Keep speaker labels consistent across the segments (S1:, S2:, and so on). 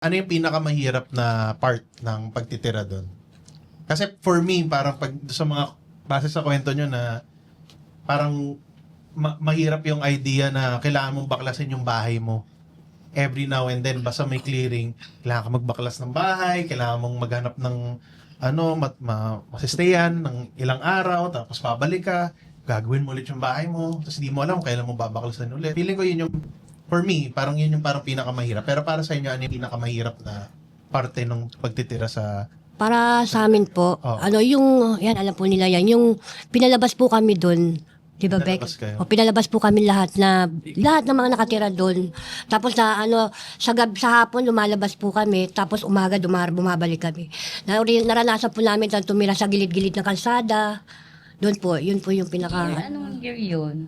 S1: Ano yung pinakamahirap na part ng pagtitira doon? Kasi for me, parang pag sa mga, base sa kwento nyo na parang mahirap yung idea na kailangan mong baklasin yung bahay mo every now and then, basta may clearing, kailangan ka magbaklas ng bahay, kailangan mong maghanap ng masistayan ng ilang araw, tapos pabalik ka, gagawin mo ulit yung bahay mo, tapos hindi mo alam kung kailan mo babaklasan ulit. Feeling ko yun yung, for me, parang yun yung parang pinakamahirap. Pero para sa inyo, ano yung pinakamahirap na parte ng pagtitira sa...
S2: Para sa amin po,
S1: Oh.
S2: yan, alam po nila yan, yung pinalabas po kami doon, di ba, Beck?
S1: Pinalabas kayo?
S2: O, pinalabas po kami lahat ng mga nakatira doon. Tapos sa hapon lumalabas po kami, tapos umaga bumabalik kami. Naranasan po namin na tumira sa gilid-gilid ng kalsada. Doon po, yun po yung pinaka...
S3: Anong year yun?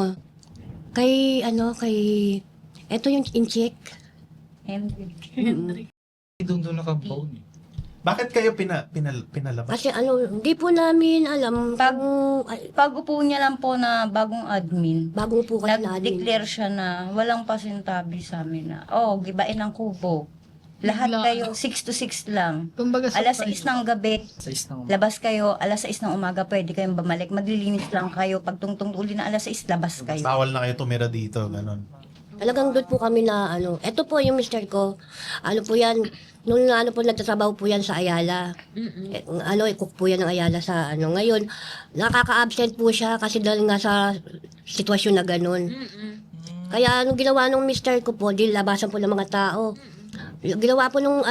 S2: Eto yung in-check.
S3: Henry.
S4: Doon nakabaon eh.
S1: Bakit kayo pinalabas?
S2: Kasi hindi po namin alam
S3: Pag upo niya lang po na bagong admin,
S2: bago po kasi namin.
S3: nag-declare siya na walang pasintabi sa amin na, gibain ang kubo. Lahat
S5: Bigla.
S3: kayo, 6 to 6 lang.
S5: Kumbaga
S3: Alas 6 ng gabi,
S4: Sa isang
S3: labas kayo. Alas 6 ng umaga, pwede kayong bumalik. Maglilinis lang kayo. Pag tungtong uli na alas 6, labas kayo.
S1: Bawal na kayo tumira dito, ganon.
S2: Talagang doon po kami na eto po yung mister ko. Po yan, nung nagtatrabaho po yan sa Ayala. Cook po yan ng Ayala sa Ngayon, nakaka-absent po siya kasi dahil nga sa sitwasyon na ganun. Kaya nung ginawa nung mister ko po, di labasan po ng mga tao. Ginawa po nung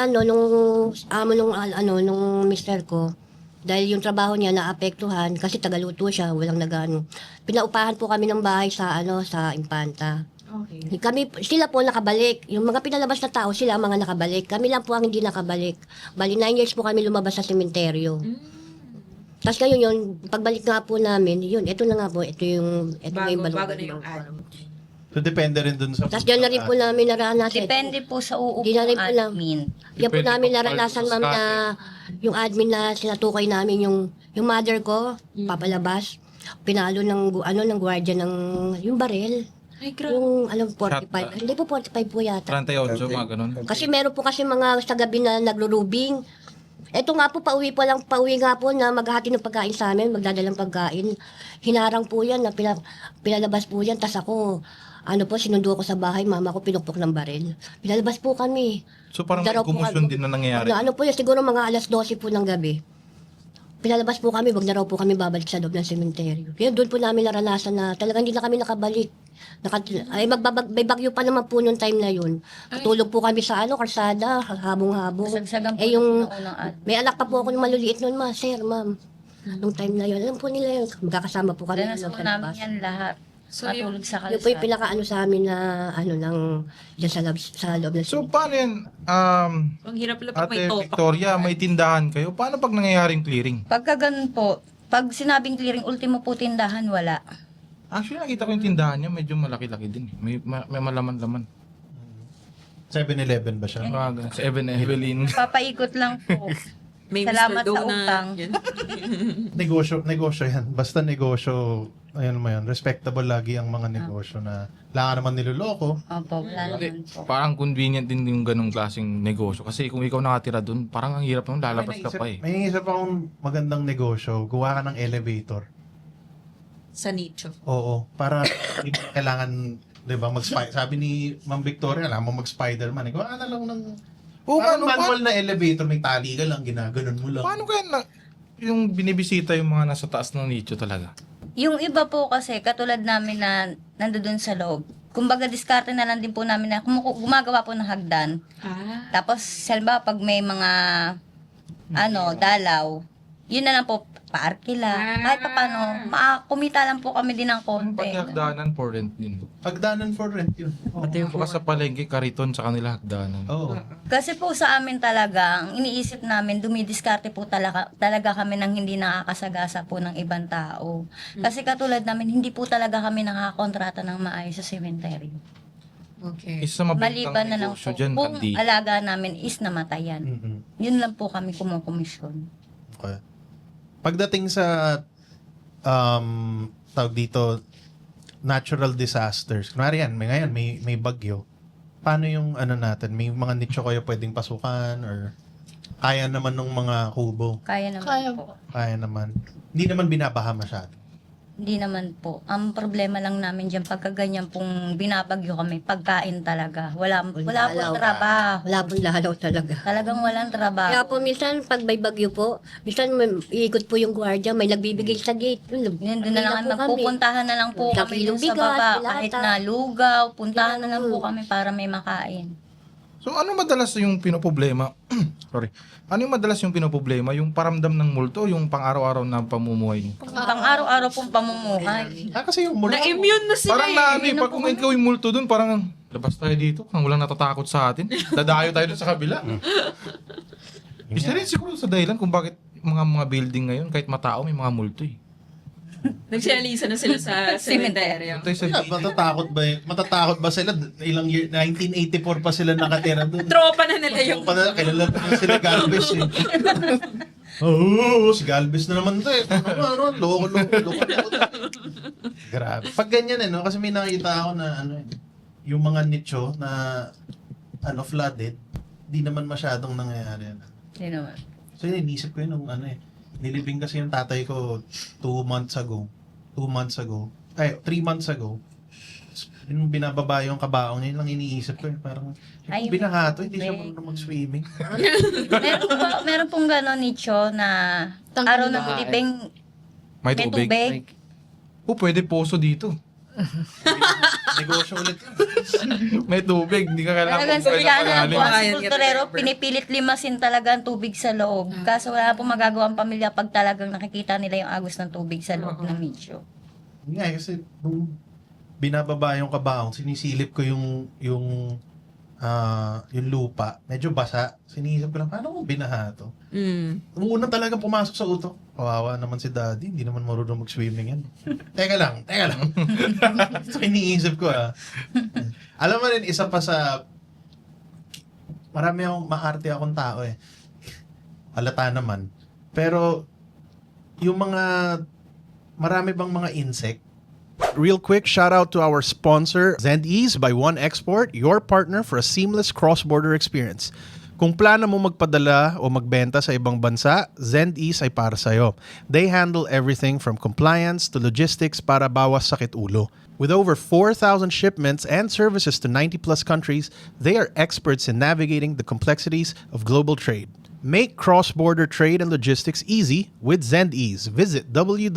S2: mister ko, dahil yung trabaho niya naapektuhan kasi tagaluto siya, walang nagano. Pinaupahan po kami ng bahay sa sa Impanta.
S5: Okay.
S2: Sila po nakabalik. Yung mga pinalabas na tao, sila ang mga nakabalik. Kami lang po ang hindi nakabalik. Bali, 9 years po kami lumabas sa sementeryo. Tapos ngayon yun, pagbalik nga po namin, ito na nga po, ito na yung
S5: Bago na yung ano.
S1: So, depende rin dun sa...
S2: Tapos dyan na rin po namin naranasan.
S3: Depende po sa
S2: Di na rin
S3: uupong
S2: po na-
S3: admin.
S2: Yan po
S4: Depende
S2: namin
S4: po
S2: naranasan,
S4: sa
S2: ma'am, na yung admin na sinatukay namin, yung mother ko, papalabas, pinalo ng gwardiya ng yung baril.
S5: Ay, grabe.
S2: Yung, 45.
S4: Shot.
S2: Hindi po 45 po yata.
S4: 38, mga ganun.
S2: Kasi meron po kasi mga sa gabi na naglulubing. Eto nga po, pauwi nga po na maghahati ng pagkain sa amin, magdadalang pagkain. Hinarang po yan, na pinalabas po yan. Tas ako, sinundo ko sa bahay, mama ko pinukpok ng baril. Pinalabas po kami.
S4: So parang may
S2: Daraw po
S4: kumusyon
S2: kami.
S4: din na nangyayari.
S2: Po yun, siguro mga alas 12 po ng gabi. Pinalabas po kami, wag na raw po kami babalik sa loob ng sementeryo. Kaya doon po namin naranasan na talagang hindi na kami nakabalik. May bagyo pa naman po noong time na yun. Tutulog po kami sa kalsada, habong-habong.
S3: Kasagsagan po
S2: Yung,
S3: ng unang admin.
S2: may anak pa po ako ng maluliit noon, sir, ma'am. Nung time na yun, alam po nila yun, magkakasama po kami.
S3: Danas po namin yan lahat.
S5: So,
S3: Matulog sa
S2: Yun po yung
S3: kalsada.
S2: pinaka sa amin na, dyan sa loob ng
S4: So paano yan,
S5: ang hirap lang pag may
S4: Ate
S5: topak.
S4: Victoria, may tindahan kayo. Paano pag nangyayaring clearing?
S3: Pagka ganun po, pag sinabing clearing, ultimo po tindahan, wala.
S4: Actually, nakita ko yung tindahan niya, medyo malaki-laki din. May malaman-laman.
S1: 7-Eleven ba siya?
S4: Mga ganun. Sa Evelyn.
S3: Papaikot lang po.
S5: May
S3: Salamat
S5: Mr. Dough
S3: sa utang.
S5: Yan.
S1: Negosyo yan. Basta negosyo, ayun mo yan, respectable lagi ang mga negosyo na wala ka naman niloloko.
S3: Opo, wala naman po.
S4: Parang convenient din yung ganung klaseng negosyo. Kasi kung ikaw nakatira dun, parang ang hirap nung lalabas ka pa eh.
S1: May isip akong magandang negosyo, gawa ka ng elevator.
S5: Sa nicho.
S1: Oo, para hindi mo kailangan, 'di ba, sabi ni Ma'am Victoria, alam mo mag-Spider-Man, gawa ka na lang ng parang manual na elevator, may tali ka lang, ginaganon mo lang.
S4: Paano kaya yung binibisita yung mga nasa taas ng nicho talaga?
S3: Yung iba po kasi, katulad namin na nandoon sa loob, kumbaga diskarte na lang din po namin na gumagawa po ng hagdan. Tapos, selba, pag may mga, dalaw, yun na lang po, paarki lang. Kahit pa paano, kumita lang po kami din ng
S4: Yung
S3: konti.
S4: paghagdanan for rent din.
S1: Hagdanan for rent yun. Oo.
S4: Pati yung sa palengke, kariton sa kanila hagdanan.
S1: Oo.
S3: Kasi po sa amin talaga, ang iniisip namin, dumidiskarte po talaga kami ng hindi nakakasagasa po ng ibang tao. Kasi katulad namin, hindi po talaga kami nakakakontrata ng maayos sa sementeryo.
S5: Okay.
S4: Isa sa mabintang
S3: Maliban na lang po,
S4: negosyo dyan,
S3: kung
S4: Andy.
S3: alaga namin is namatayan.
S1: Mhm.
S3: Yun lang po kami kumukomisyon.
S1: Okay. Pagdating sa tawag dito, natural disasters. Kunwari yan, ngayon may bagyo. paano yung ano natin? May mga nicho kayo pwedeng pasukan or kaya naman ng mga kubo?
S3: Kaya naman
S6: Kaya
S3: po.
S1: Kaya naman. Hindi naman binabaha masyado.
S3: Hindi naman po. Ang problema lang namin dyan, pagka ganyan pong binabagyo kami, pagkain talaga. Wala pong trabaho.
S2: Wala pong lalaw talaga.
S3: Talagang walang trabaho.
S2: Kaya po minsan pag may bagyo po, minsan iikot po yung gwardiya, may nagbibigay sa gate.
S3: Yun, doon na lang
S2: po kami.
S3: magpupuntahan na lang po
S2: Sa
S3: kami dun sa
S2: bigas,
S3: baba.
S2: dilata.
S3: Kahit na lugaw, puntahan na lang po kami para may makain.
S4: So ano madalas yung pinoproblema? Sorry. Ano yung madalas yung pinoproblema? Yung paramdam ng multo, yung pang-araw-araw na pamumuhay niyo?
S3: Pang araw-araw pong pamumuhay.
S1: Kasi yung mula...
S5: Na-immune na sila
S4: Parang na, ano eh,
S5: Yun ang
S4: pag kung ikaw yung multo dun, parang labas tayo dito, kung walang natatakot sa atin. Dadayo tayo dun sa kabila. Isa rin siguro sa dahilan kung bakit mga building ngayon, kahit matao, may mga multo eh.
S5: Nagsialisa na sila sa cemetery.
S4: Punta sa
S1: Matatakot ba sila? Ilang year, 1984 pa sila nakatira doon.
S5: Tropa na nila yung...
S1: Kilala na sila Galvez eh. Oo, si Galvez na naman to eh. Loko. Grabe. Pag ganyan eh, no? Kasi may nakita ako na ano eh, yung mga nicho na ano, flooded, di naman masyadong nangyayari.
S3: Hindi naman.
S1: So yun, inisip ko yun nung ano eh. Nilibing kasi yung tatay ko 2 months ago. 3 months ago. Yung binababa yung kabaong niya, yun lang iniisip ko eh. Parang,
S3: Ay,
S1: binahato, hindi siya
S3: may-
S1: marunong mag-swimming.
S3: meron pong gano'n nicho na araw na nilibing
S4: May
S3: may
S4: tubig.
S3: tubig.
S4: O pwede poso dito.
S1: Negosyo ulit yun.
S4: May tubig, hindi ka kailangan
S3: Talagang
S4: kung
S3: kaya na
S4: kailangan
S3: po ang
S5: Ayan,
S3: kulturero,
S5: get
S3: pinipilit limasin talaga ang tubig sa loob. Kaso wala pong magagawa ang pamilya pag talagang nakikita nila yung agos ng tubig sa loob ng nicho.
S1: Yun nga, kasi nung binababa yung kabaong, sinisilip ko yung lupa. Medyo basa. Sinisip ko lang, paano kung binaha to? Nung una talagang pumasok sa utok, kawawa naman si daddy, hindi naman marunong mag-swimming yan. Teka lang. So iniisip ko Alam mo rin, isa pa sa, marami akong maarte akong tao eh. Halata naman. Pero, yung marami bang mga insect? Real quick, shout out to our sponsor, Zendease by One Export, your partner for a seamless cross-border experience. Kung plano mo magpadala o magbenta sa ibang bansa, Zendease ay para sa'yo. They handle everything from compliance to logistics para bawas sakit ulo. With over 4,000 shipments and services to 90 plus countries, they are experts in navigating the complexities of global trade. Make cross-border trade and logistics easy with Zendease. Visit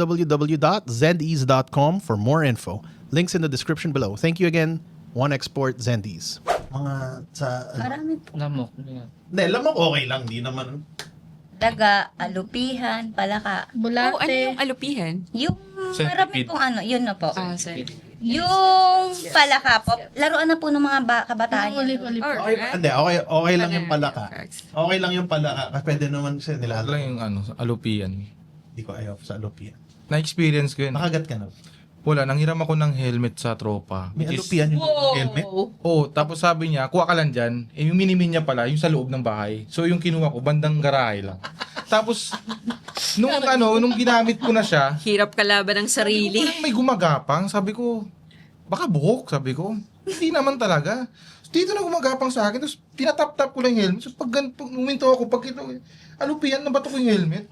S1: www.zendease.com for more info. Links in the description below. Thank you again, One Export Zendease. Mga sa...
S3: Marami po.
S1: Hindi, lamok okay lang. Di naman...
S3: Daga, alupihan, palaka.
S6: Bulate.
S5: ano yung alupihan?
S3: Yung
S4: Centipede.
S3: marami pong ano, yun na po.
S5: Sorry.
S3: Yung palaka po, laruan na po ng mga kabataan.
S6: Yung uli-uli po.
S1: Okay, hindi, okay lang yung palaka. Okay lang yung palaka. Kasi pwede naman kasi
S4: Ano
S1: nila.
S4: lang yung alupian.
S1: Hindi ko ayaw sa Alopia.
S4: Na-experience ko yun.
S1: Nakagat ka na.
S4: Wala, nanghiram ako ng helmet sa tropa.
S1: May
S4: which is-
S1: Alopia yung helmet.
S4: Oh, tapos sabi niya, kuha ka lang dyan. Eh, yung minimin niya pala, yung sa loob ng bahay. So, yung kinuha ko, bandang garahe lang. Tapos, nung ginamit ko na siya,
S5: Hirap kalaban ng sarili.
S4: parang may gumagapang. Sabi ko, baka buhok, sabi ko. Hindi naman talaga. Dito na gumagapang sa akin. Tapos, tinatap-tap ko lang yung helmet. So, pag uminto ako, pag ito, alupian, nabato ko yung helmet.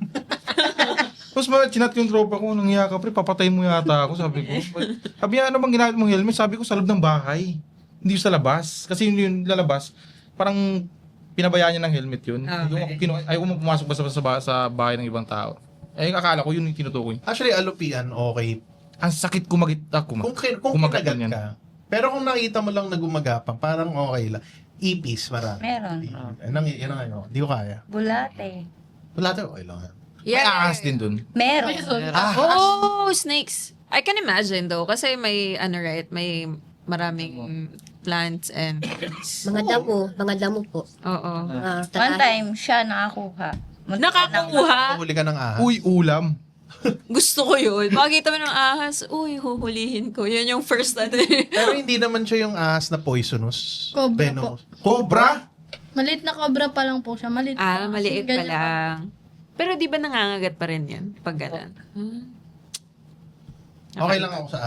S4: Tapos chinat ko yung tropa ko, nangyaya ka, pre, papatay mo yata ako, sabi ko. Sabi niya, ano bang ginamit mong helmet? Sabi ko, sa loob ng bahay. Hindi sa labas. Kasi yung lalabas, parang pinabayaan niya ng helmet yun.
S5: Okay.
S4: Ayaw ko pumasok basta sa bahay ng ibang tao. Eh, akala ko yun yung tinutukoy.
S1: Actually, Alopian, okay.
S4: Ang sakit
S1: Kung
S4: kumagat
S1: kinagat
S4: yan.
S1: ka. Pero kung nakita mo lang na gumagapang, parang okay lang. Ipis, marami.
S3: Meron.
S1: Yan ang ano. Hindi ko kaya.
S3: Bulate.
S1: Wala tayo, okay lang yan.
S4: May ahas din dun.
S3: Meron.
S5: Oh, snakes. I can imagine though. Kasi may, may maraming plants and...
S2: Mga damo po.
S5: Oo.
S3: One time, siya nakakuha.
S5: Nakakuha.
S1: Huli ka ng ahas.
S4: Uy, ulam.
S5: Gusto ko yun. Makikita mo ng ahas, uy, huhulihin ko. Yun yung first
S1: Pero hindi naman siya yung ahas na poisonous.
S6: Cobra
S1: Venomous. Cobra?
S6: Maliit na cobra pa lang po siya. Maliit
S5: maliit pa
S6: Ganyan
S5: lang. Pero di ba nangangagat pa rin yan? Pag ganun?
S1: Okay lang ako sa